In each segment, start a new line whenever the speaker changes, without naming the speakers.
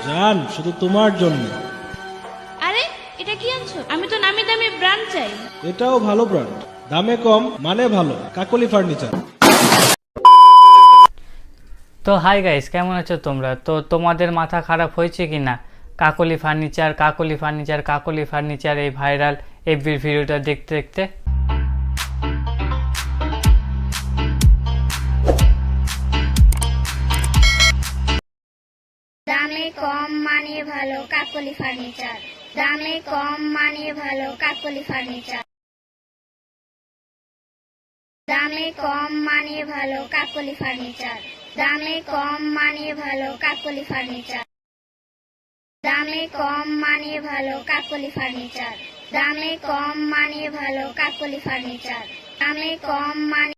জান শুধু তোমার জন্য।
আরে এটা কি আনছো? আমি তো নামি দামি ব্র্যান্ড চাই।
এটাও ভালো ব্র্যান্ড, দামে কম মানে ভালো, কাকলি ফার্নিচার।
তো হাই গাইস, কেমন আছো তোমরা? তো তোমাদের মাথা খারাপ হয়েছে কি না Kakoli furniture Kakoli furniture Kakoli furniture এই ভাইরাল এফবির ভিডিওটা দেখতে দেখতে?
দামে কম মানে ভালো কাকলি ফার্নিচার। দামে কম মানে ভালো কাকলি ফার্নিচার। দামে কম মানে ভালো কাকলি ফার্নিচার। দামে কম মানে ভালো কাকলি ফার্নিচার। দামে কম মানে ভালো কাকলি ফার্নিচার। দামে কম মানে ভালো কাকলি ফার্নিচার। দামে কম মানে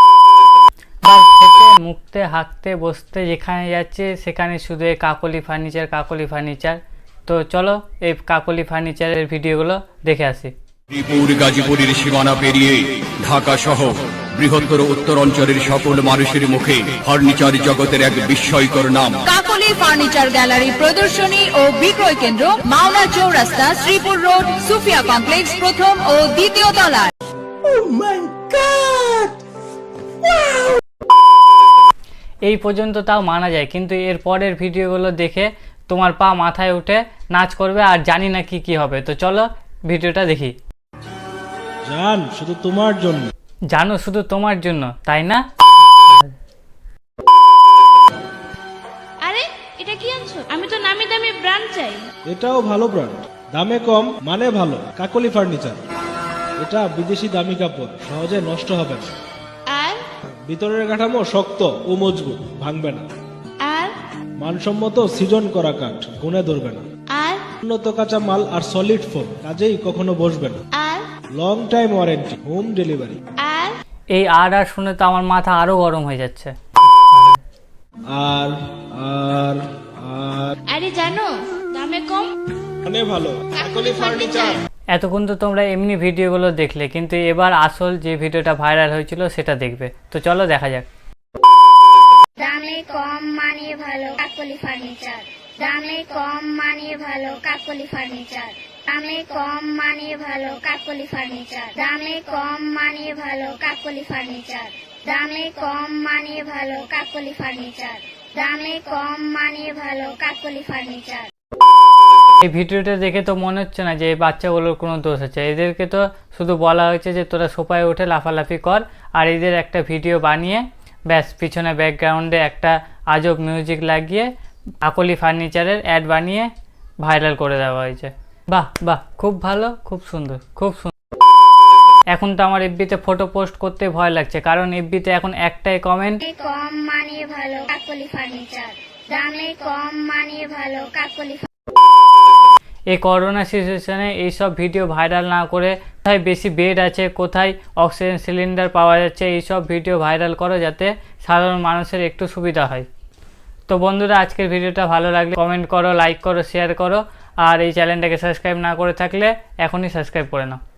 খেতে মুখতে হাঁকতে বসতে যেখানে যাচ্ছে সেখানে শুধু এই কাকলি ফার্নিচার কাকলি ফার্নিচার। তো চলো এই কাকলি ফার্নিচারের ভিডিওগুলো দেখে আসি।
শ্রীপুর গাজীপুরের সীমানা পেরিয়ে ঢাকা সহ বৃহত্তর উত্তরাঞ্চলের সকল মানুষের মুখে ফার্নিচার জগতের এক বিস্ময়কর নাম
কাকলি ফার্নিচার গ্যালারি, প্রদর্শনী ও বিক্রয় কেন্দ্র, মাওনা চৌরাস্তা, শ্রীপুর রোড, সুফিয়া কমপ্লেক্স, প্রথম ও দ্বিতীয় তলায়।
এই পর্যন্ত তাও মানা যায়, কিন্তু এর পরের ভিডিওগুলো দেখে তোমার পা মাথায় উঠে নাচ করবে আর জানি না কি কি হবে। তো চলো ভিডিওটা দেখি।
জান শুধু তোমার জন্য।
জানো শুধু তোমার জন্য, তাই না?
আরে এটা কি আনছো? আমি তো নামি দামি ব্র্যান্ড চাই।
এটাও ভালো ব্র্যান্ড, দামে কম মানে ভালো, কাকলি ফার্নিচার। এটা বিদেশি দামি কাপড়, সহজে নষ্ট হবে না।
আর
ভিতরের কাঠামো শক্ত ও মজবুত, ভাঙবে না।
আর
মানসম্মত সিজন করা কাঠ, গুনে ধরবে না।
আর
উন্নত কাঁচা মাল আর সলিড ফোম, কাজেই কখনো বসবে না।
আর
long time warranty, home delivery.
আর
এই আর শুনে তো আমার মাথা আরো গরম হয়ে যাচ্ছে।
আর আর আর
আরে জানো দামে কম
মানে ভালো, কাকলি ফার্নিচার।
এতক্ষণ তো তোমরা এমনি ভিডিওগুলো দেখলে, কিন্তু এবার আসল যে ভিডিওটা ভাইরাল হয়েছিল সেটা দেখবে। তো চলো দেখা যাক।
দামে কম মানে ভালো কাকলি ফার্নিচার। দামে কম মানে ভালো কাকলি ফার্নিচার। দামে কম মানে ভালো কাকলি ফার্নিচার। দামে কম মানে ভালো কাকলি ফার্নিচার। দামে কম মানে ভালো কাকলি ফার্নিচার। দামে কম মানে ভালো কাকলি ফার্নিচার।
এই ভিডিওটা দেখে তো মনে হচ্ছে না যে এই বাচ্চাগুলোর কোনো দোষ আছে। এদেরকে তো শুধু বলা হয়েছে যে তোরা সোফায় উঠে লাফালাফি কর, আর এদের একটা ভিডিও বানিয়ে ব্যাস পিছনে ব্যাকগ্রাউন্ডে একটা আজব মিউজিক লাগিয়ে কাকলি ফার্নিচারের অ্যাড বানিয়ে ভাইরাল করে দেওয়া হয়েছে। বাহ বাহ, খুব ভালো, খুব সুন্দর, খুব সুন্দর। এখন তো আমার এফবিতে ফটো পোস্ট করতে ভয় লাগছে, কারণ এফবিতে এখন একটাই কমেন্ট,
দামে কম মানে ভালো কাকলি ফার্নিচার। দামে কম মানে ভালো কাকলি
এই করোনা সিচুয়েশনে এইসব ভিডিও ভাইরাল না করে কোথায় বেশি বেড আছে, কোথায় অক্সিজেন সিলিন্ডার পাওয়া যাচ্ছে, এইসব ভিডিও ভাইরাল করো যাতে সাধারণ মানুষের একটু সুবিধা হয়। তো বন্ধুরা, আজকের ভিডিওটা ভালো লাগলে কমেন্ট করো, লাইক করো, শেয়ার করো, আর এই চ্যানেলটাকে সাবস্ক্রাইব না করে থাকলে এখনই সাবস্ক্রাইব করে নাও।